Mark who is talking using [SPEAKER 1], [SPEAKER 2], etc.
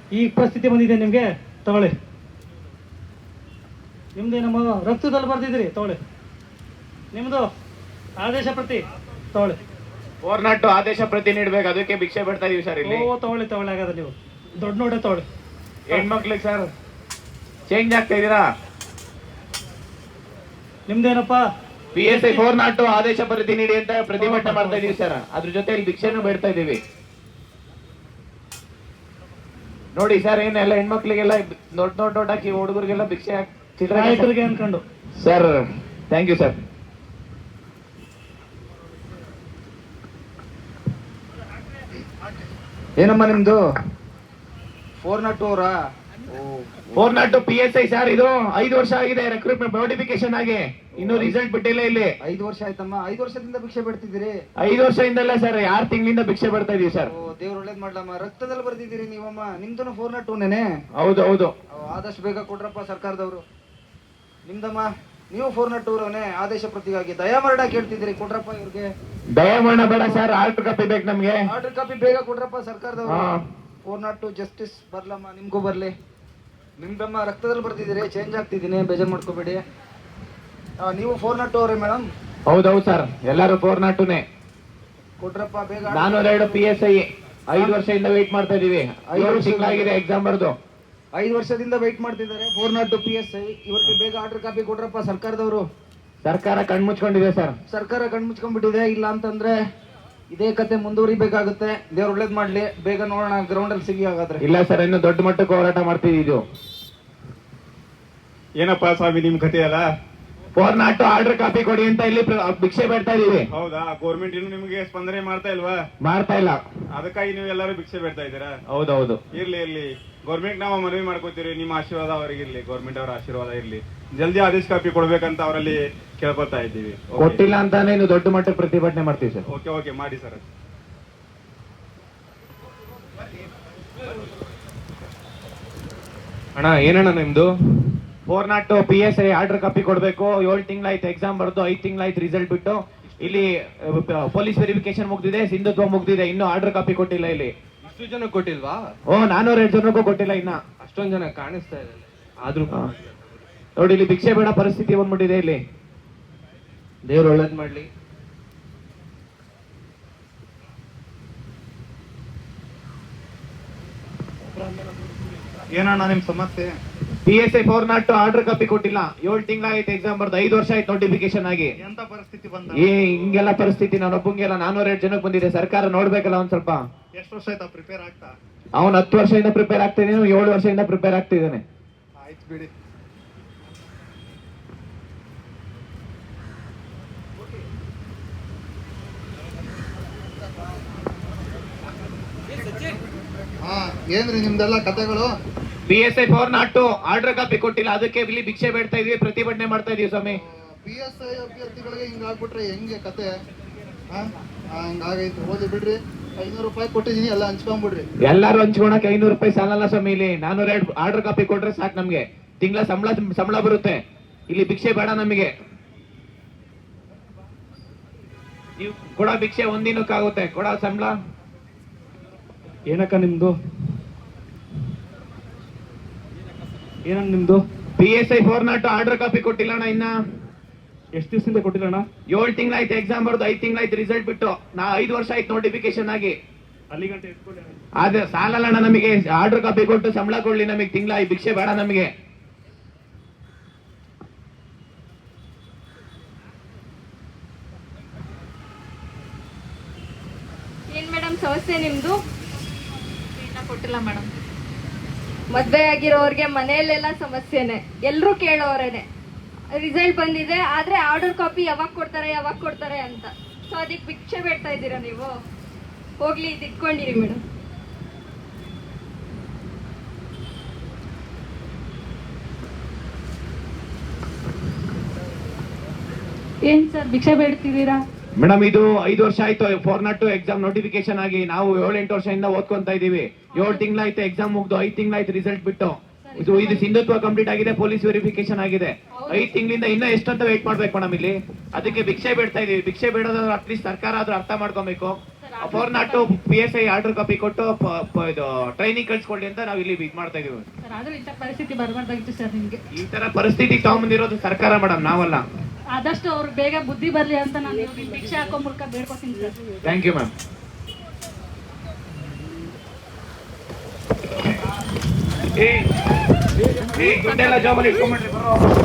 [SPEAKER 1] ಈ ಪರಿಸ್ಥಿತಿ ಬಂದಿದೆ ನಿಮಗೆ, ತಗೊಳ್ಳಿ. ನಿಮ್ದು ನಮ್ಮ ರಕ್ತದಲ್ಲಿ ಬರ್ದಿದ್ರಿ, ತಗೊಳ್ಳಿ. ನಿಮ್ದು ಆದೇಶ ಪ್ರತಿ ತಗೊಳ್ಳಿ.
[SPEAKER 2] 402 ಆದೇಶ ಪ್ರತಿ ನೀಡ್ಬೇಕು, ಅದಕ್ಕೆ ಭಿಕ್ಷೆ ಬಿಡ್ತಾ ಇದೀವಿ ಸರ್ ಇಲ್ಲಿ.
[SPEAKER 1] ತಗೊಳ್ಳಿ ಹಾಗಾದ್ರೆ ನೀವು ದೊಡ್ಡ ನೋಡೆ ತಗೊಳ್ಳಿ.
[SPEAKER 2] ಹೆಣ್ಮಕ್ಳಿಗೆ ಸರ್ ಚೇಂಜ್ ಆಗ್ತಾ ಇದೀರಾ?
[SPEAKER 1] ನಿಮ್ದೇನಪ್ಪ
[SPEAKER 2] PSI 402 ಆದೇಶ ಪ್ರತಿ ನೀಡಿ ಅಂತ ಪ್ರತಿಭಟನೆ ಮಾಡ್ತಾ ಇದೀವಿ ಸರ್. ಅದ್ರ ಜೊತೆ ಇಲ್ಲಿ ಭಿಕ್ಷೆನೂ ಬೇಡ್ತಾ ಇದೀವಿ. ನೋಡಿ ಸರ್, ಏನೆಲ್ಲ ಹೆಣ್ಮಕ್ಳಿಗೆಲ್ಲ ದೊಡ್ಡ ಹಾಕಿ ಹುಡುಗರಿಗೆಲ್ಲ ಭಿಕ್ಷೆ
[SPEAKER 1] ನಾಯಕರಿಗೆ ಅನ್ಕೊಂಡು.
[SPEAKER 2] Sir thank you sir.
[SPEAKER 3] ಏನಮ್ಮ ನಿಮ್ದು 402 ಅವರಾ?
[SPEAKER 2] 402 PSI ಸರ್. ಇದು 5 ವರ್ಷ ಆಗಿದೆ ರೆಕ್ರೂಟ್ಮೆಂಟ್ ನೋಟಿಫಿಕೇಶನ್ ಆಗಿ, ಇನ್ನು ರಿಸಲ್ಟ್ ಬಿಟ್ಟಿಲ್ಲ ಇಲ್ಲಿ.
[SPEAKER 3] 5 ವರ್ಷ ಆಯ್ತಮ್ಮ. 5 ವರ್ಷದಿಂದ ಭಿಕ್ಷೆ ಬಿಡ್ತಿದ್ದೀರಿ?
[SPEAKER 2] 5 ವರ್ಷದಿಂದಲ್ಲ ಸರ್, 6 ತಿಂಗಳಿಂದ ಭಿಕ್ಷೆ ಬಿಡ್ತಾ ಇದೀವಿ ಸರ್.
[SPEAKER 3] ದೇವ್ರು ಒಳ್ಳೇದ್ ಮಾಡ್ಲಮ್ಮ. ರಕ್ತದಲ್ಲಿ ಬರ್ದಿದ್ದೀರಿ ನೀವಮ್ಮ. ನಿಮ್ದು 402ನೇನೆ?
[SPEAKER 2] ಹೌದು ಹೌದು.
[SPEAKER 3] ಆದಷ್ಟು ಬೇಗ ಕೊಡ್ರಪ್ಪ ಸರ್ಕಾರದವರು. ನಿಮ್ದಮ್ಮ, ನೀವು 402 ಅವರವನೇ ಆದೇಶ ಪ್ರತಿಗಾಗಿ ದಯಾಮರಣ ಕೇಳ್ತಿದ್ದೀರಿ, ಕೊಡ್ರಪ್ಪ ಇವ್ರಿಗೆ.
[SPEAKER 2] ದಯಮಾಡ ಬೇಡ ಸರ್, ಆರ್ಡರ್ ಕಾಪಿ ಬೇಕು ನಮ್ಗೆ.
[SPEAKER 3] ಆರ್ಡರ್ ಕಾಪಿ ಬೇಗ ಕೊಡ್ರಪ್ಪ ಸರ್ಕಾರದವರು. 402 ಜಸ್ಟಿಸ್ ಬರ್ಲಮ್ಮ, ನಿಮ್ಗೂ ಬರ್ಲಿ. ನಿಮ್ದಮ್ಮ ರಕ್ತದಲ್ಲಿ ಬರ್ತಿದ್ದೀರಿ, ಚೇಂಜ್ ಆಗ್ತಿದ್ದೀನಿ, ಬೇಜಾರು ಮಾಡ್ಕೋಬೇಡಿ. ನೀವು 402 ಅವರೇ ಮೇಡಮ್?
[SPEAKER 2] ಹೌದೌದು ಸರ್, ಎಲ್ಲರೂ 402ನೇ.
[SPEAKER 3] ಕೊಡ್ರಪ್ಪ ಬೇಗ.
[SPEAKER 2] 402 PSI 5 ವರ್ಷದಿಂದ ವೇಟ್ ಮಾಡ್ತಾ ಇದೀವಿ. 7 ತಿಂಗಳಾಗಿದೆ ಎಕ್ಸಾಮ್ ಬರ್ದು.
[SPEAKER 3] 5 ವರ್ಷದಿಂದ ವೇಟ್ ಮಾಡ್ತಿದ್ದಾರೆ 402 PSI. ಇವ್ರಿಗೆ ಬೇಗ ಆರ್ಡರ್ ಕಾಪಿ ಕೊಡ್ರಪ್ಪ ಸರ್ಕಾರದವರು.
[SPEAKER 2] ಸರ್ಕಾರ ಕಣ್ಮುಚ್ಕೊಂಡಿದೆ ಸರ್.
[SPEAKER 3] ಸರ್ಕಾರ ಕಣ್ಮುಚ್ಕೊಂಡ್ಬಿಟ್ಟಿದೆ. ಇಲ್ಲ ಅಂತಂದ್ರೆ ಇದೇ ಕತೆ ಮುಂದುವರಿಬೇಕಾಗುತ್ತೆ. ದೇವ್ರು ಒಳ್ಳೇದ್ ಮಾಡ್ಲಿ. ಬೇಗ ನೋಡೋಣ, ಗ್ರೌಂಡ್ ಅಲ್ಲಿ ಸಿಗಿ ಹಾಗಾದ್ರೆ.
[SPEAKER 2] ಇಲ್ಲ ಸರ್, ಇನ್ನು ದೊಡ್ಡ ಮಟ್ಟಕ್ಕೆ ಹೋರಾಟ ಮಾಡ್ತಿದ್ದು.
[SPEAKER 4] ಏನಪ್ಪಾ ಸ್ವಾಮಿ ನಿಮ್ ಕತೆ ಅಲ್ಲ?
[SPEAKER 2] 402 ಆರ್ಡರ್ ಕಾಪಿ ಕೊಡಿ ಅಂತ ಇಲ್ಲಿ ಭಿಕ್ಷೆ ಬೇಡ್ತಾ ಇದೀವಿ.
[SPEAKER 4] ಹೌದಾ? ಗೌರ್ಮೆಂಟ್ ಇನ್ನು ನಿಮ್ಗೆ ಸ್ಪಂದನೆ ಮಾಡ್ತಾ ಇಲ್ವಾ?
[SPEAKER 2] ಮಾಡ್ತಾ ಇಲ್ಲ.
[SPEAKER 4] ಅದಕ್ಕಾಗಿ ನೀವು ಎಲ್ಲರೂ ಭಿಕ್ಷೆ ಬೇಡ್ತಾ ಇದ್ದೀರಾ?
[SPEAKER 2] ಹೌದೌದು.
[SPEAKER 4] ಇರ್ಲಿ ಗೌರ್ಮೆಂಟ್ ನಾವು ಮನವಿ ಮಾಡ್ಕೋತೀರಿ, ನಿಮ್ಮ ಆಶೀರ್ವಾದ ಅವರಿಗೆ ಇರ್ಲಿ, ಗೌರ್ಮೆಂಟ್ ಅವರ ಆಶೀರ್ವಾದ ಇರ್ಲಿ. ಜಲ್ದಿ ಆದೇಶ ಕಾಪಿ ಕೊಡ್ಬೇಕಂತ ಅವರಲ್ಲಿ ಕೇಳ್ಕೊತಾ ಇದ್ದೀವಿ.
[SPEAKER 2] ಕೊಟ್ಟಿಲ್ಲ ಅಂತಾನೆ ಇನ್ನು ದೊಡ್ಡ ಮಟ್ಟಕ್ಕೆ ಪ್ರತಿಭಟನೆ ಮಾಡ್ತೀವಿ ಸರ್.
[SPEAKER 4] ಓಕೆ ಮಾಡಿ ಸರ್.
[SPEAKER 5] ಅಣ್ಣ ಏನಣ್ಣ ನಿಮ್ದು?
[SPEAKER 2] 402 PSI ಆರ್ಡರ್ ಕಾಪಿ ಕೊಡ್ಬೇಕು. 7 ತಿಂಗಳಾಯ್ತು ಎಕ್ಸಾಮ್ ಬರ್ದು, 5 ತಿಂಗಳಾಯ್ತು ರಿಸಲ್ಟ್ ಬಿಟ್ಟು. ಇಲ್ಲಿ ಪೊಲೀಸ್ ವೆರಿಫಿಕೇಶನ್ ಮುಗ್ದಿದೆ, ಸಿಂಧುತ್ವ ಮುಗ್ದಿದೆ, ಇನ್ನು ಆರ್ಡರ್ ಕಾಪಿ ಕೊಟ್ಟಿಲ್ಲ ಇಲ್ಲಿ.
[SPEAKER 5] ಇಷ್ಟು ಜನ ಕೊಟ್ಟಿಲ್ವಾ?
[SPEAKER 2] 402 ಜನಕ್ಕೂ ಕೊಟ್ಟಿಲ್ಲ ಇನ್ನ.
[SPEAKER 5] ಅಷ್ಟೊಂದ್ ಜನ ಕಾಣಿಸ್ತಾ ಇದೆ ಆದ್ರೂ.
[SPEAKER 2] ನೋಡಿ, ಇಲ್ಲಿ ಭಿಕ್ಷೆ ಬೇಡ ಪರಿಸ್ಥಿತಿ ಬಂದ್ಬಿಟ್ಟಿದೆ ಇಲ್ಲಿ.
[SPEAKER 5] ದೇವ್ರು ಒಳ್ಳೇದ್ ಮಾಡ್ಲಿ.
[SPEAKER 4] ಏನಣ್ಣ ನಿಮ್ ಸಮಸ್ಯೆ?
[SPEAKER 2] PSI 402 ಆರ್ಡರ್ ಕಾಪಿ ಕೊಟ್ಟಿಲ್ಲ. 7 ತಿಂಗಳಾಯ್ತು ಎಕ್ಸಾಮ್ ಬರ್ದು, 5 ವರ್ಷ ಆಯ್ತು ನೋಟಿಫಿಕೇಶನ್ ಆಗಿ.
[SPEAKER 4] ಎಂತ ಪರಿಸ್ಥಿತಿ ಬಂದ?
[SPEAKER 2] ಹಿಂಗೆಲ್ಲ ಪರಿಸ್ಥಿತಿ ನಾನೊಬ್ಬಂಗೆಲ್ಲ 402 ಜನಕ್ಕೆ ಬಂದಿದೆ. ಸರ್ಕಾರ ನೋಡ್ಬೇಕಲ್ಲ ಒಂದ್ ಸ್ವಲ್ಪ.
[SPEAKER 4] ಎಷ್ಟು ವರ್ಷ ಆಯ್ತಾ ಪ್ರಿಪೇರ್ ಆಗ್ತಾ?
[SPEAKER 2] ಅವ್ನು 10 ವರ್ಷದಿಂದ ಪ್ರಿಪೇರ್ ಆಗ್ತಾ ಇದ್ದಾನೆ, 7 ವರ್ಷದಿಂದ ಪ್ರಿಪೇರ್ ಆಗ್ತಿದ್ದಾನೆ.
[SPEAKER 4] ಆಯ್ತು ಬಿಡಿ.
[SPEAKER 3] ಏನ್ರಿ ನಿಮ್ದೆಲ್ಲ ಕತೆಗಳು?
[SPEAKER 2] PSI 402 ಆರ್ಡರ್ ಕಾಪಿ ಕೊಟ್ಟಿಲ್ಲ, ಅದಕ್ಕೆ ಇಲ್ಲಿ ಭಿಕ್ಷೆ ಬೇಡ್ತಾ ಇದೀವಿ, ಪ್ರತಿಭಟನೆ ಮಾಡ್ತಾ ಇದೀವಿ ಸ್ವಾಮಿ.
[SPEAKER 3] PSI ಅಭ್ಯರ್ಥಿಗಳಿಗೆ ಹಿಂಗಾಗ್ಬಿಟ್ರೆ ಹೆಂಗೆ ಕತೆ? ಹಂಗಾಗೈತೆ, ಹೋಗಿ ಬಿಡ್ರಿ. 500 ರೂಪಾಯಿ ಕೊಟ್ಟಿದೀನಿ, ಎಲ್ಲ ಹಂಚ್ಕೊಂಡ್ಬಿಡ್ರಿ.
[SPEAKER 2] ಎಲ್ಲಾರು ಹಂಚ್ಕೊಳಕ್ 500 ರೂಪಾಯಿ ಸಾಲಲ್ಲ ಸ್ವಾಮಿ. ಇಲ್ಲಿ 402 ಆರ್ಡರ್ ಕಾಪಿ ಕೊಟ್ರೆ ಸಾಕು ನಮ್ಗೆ. ತಿಂಗಳ ಸಂಬಳ ಬರುತ್ತೆ. ಇಲ್ಲಿ ಭಿಕ್ಷೆ ಬೇಡ ನಮಗೆ. ನೀವು ಕೊಡೋ ಭಿಕ್ಷೆ ಒಂದಿನಕ್ಕಾಗುತ್ತೆ, ಕೊಡೋ ಸಂಬಳ.
[SPEAKER 1] ಏನಕ್ಕ ನಿಮ್ದು? ಏನಣ್ಣ ನಿಮ್ದು?
[SPEAKER 2] PSI 402 ಆರ್ಡರ್ ಕಾಪಿ ಕೊಟ್ಟಿಲ್ಲ ಇನ್ನ.
[SPEAKER 1] ಎಷ್ಟು ದಿವಸದಿಂದ ಕೊಟ್ಟಿಲ್ಲಣ್ಣ?
[SPEAKER 2] 7 ತಿಂಗಳಾಯ್ತು ಎಕ್ಸಾಮ್ ಬರ್ದು, 5 ತಿಂಗಳಾಯ್ತು ರಿಸಲ್ಟ್ ಬಿಟ್ಟು. 5 ವರ್ಷ ಆಯ್ತು ನೋಟಿಫಿಕೇಶನ್ ಆಗಿ.
[SPEAKER 1] ಅಲ್ಲಿ ಗಂಟೆ ಇಟ್ಕೊಳ್ಳಿ.
[SPEAKER 2] ಆದ್ರೆ ಸಾಲಲ್ಲ ನಮಗೆ. ಆರ್ಡರ್ ಕಾಪಿ ಕೊಟ್ಟು ಸಂಬಳ ಕೊಡ್ಲಿ ನಮಗೆ. ತಿಂಗಳ ಈ ಭಿಕ್ಷೆ ಬೇಡ ನಮಗೆ.
[SPEAKER 6] ಏನ್ ಮೇಡಮ್ ಸಮಸ್ಯೆ ನಿಮ್ದು? ಕೊಟ್ಟಿಲ್ಲ ಮೇಡಮ್. ಮದ್ವೆ ಆಗಿರೋರ್ಗೆ ಮನೆಯಲ್ಲೆಲ್ಲ ಸಮಸ್ಯೆನೆ, ಎಲ್ರು ಕೇಳೋರೇನೆ. ರಿಸಲ್ಟ್ ಬಂದಿದೆ, ಆದ್ರೆ ಆರ್ಡರ್ ಕಾಪಿ ಯಾವಾಗ ಕೊಡ್ತಾರೆ ಅಂತ. ಸೊ ಅದಕ್ಕೆ ಭಿಕ್ಷೆ ಬೇಡ್ತಾ ಇದ್ದೀರಾ ನೀವು? ಹೋಗ್ಲಿ, ಇದು ಇಟ್ಕೊಂಡಿರಿ ಮೇಡಮ್. ಏನ್ ಸರ್ ಭಿಕ್ಷೆ ಬೇಡ್ತಿದ್ದೀರಾ?
[SPEAKER 2] ಮೇಡಮ್, ಇದು 5 ವರ್ಷ ಆಯ್ತು 402 ಎಕ್ಸಾಮ್ ನೋಟಿಫಿಕೇಶನ್ ಆಗಿ. ನಾವು 7-8 ವರ್ಷದಿಂದ ಓದ್ಕೊಂತ ಇದೀವಿ. 7 ತಿಂಗಳಾಯ್ತು ಎಕ್ಸಾಮ್ ಮುಗ್ದು, 5 ತಿಂಗಳಾಯ್ತು ರಿಸಲ್ಟ್ ಬಿಟ್ಟು. ಇದು ಸಿಂಧುತ್ವ ಕಂಪ್ಲೀಟ್ ಆಗಿದೆ, ಪೊಲೀಸ್ ವೆರಿಫಿಕೇಶನ್ ಆಗಿದೆ. 5 ತಿಂಗಳಿಂದ ಇನ್ನ ಎಷ್ಟಂತ ವೇಟ್ ಮಾಡ್ಬೇಕು ಮೇಡಮ್ ಇಲ್ಲಿ. ಅದಕ್ಕೆ ಭಿಕ್ಷೆ ಬೇಡ್ತಾ ಇದೀವಿ. ಭಿಕ್ಷೆ ಬೇಡೋದಾದ್ರೆ ಅಟ್ಲೀಸ್ಟ್ ಸರ್ಕಾರ ಆದ್ರೂ ಅರ್ಥ ಮಾಡ್ಕೊಬೇಕು. 402 PSI ಆರ್ಡರ್ ಕಾಪಿ ಕೊಟ್ಟು ಇದು ಟ್ರೈನಿಂಗ್ ಕಳ್ಸ್ಕೊಳ್ಳಿ ಅಂತ ನಾವು ಇಲ್ಲಿ ಇದು ಮಾಡ್ತಾ ಇದೀವಿ.
[SPEAKER 7] ಸರ್ ಆದ್ರೂ ಇಂಥ ಪರಿಸ್ಥಿತಿ ಬರಬಾರ್ದಾಗಿತ್ತು ಸರ್ ನಿಮ್ಗೆ.
[SPEAKER 2] ಈ ತರ ಪರಿಸ್ಥಿತಿ ತಗೊಂಬಂದಿರೋದು ಸರ್ಕಾರ ಮೇಡಮ್, ನಾವಲ್ಲ.
[SPEAKER 7] ಆದಷ್ಟು ಅವ್ರಿಗೆ ಬೇಗ ಬುದ್ಧಿ ಬರ್ಲಿ ಅಂತ ನಾನು ಭಿಕ್ಷೆ ಹಾಕೋ ಮೂಲಕ ಬೇಡ್ಕೊತೀನಿ ಸರ್.
[SPEAKER 2] Thank you ma'am. ದುಡ್ಡೆಲ್ಲ ಜಾಬಲ್ಲಿ ಇಟ್ಕೊಂಡ್ಬಿಡ್ರಿ ಬರೋ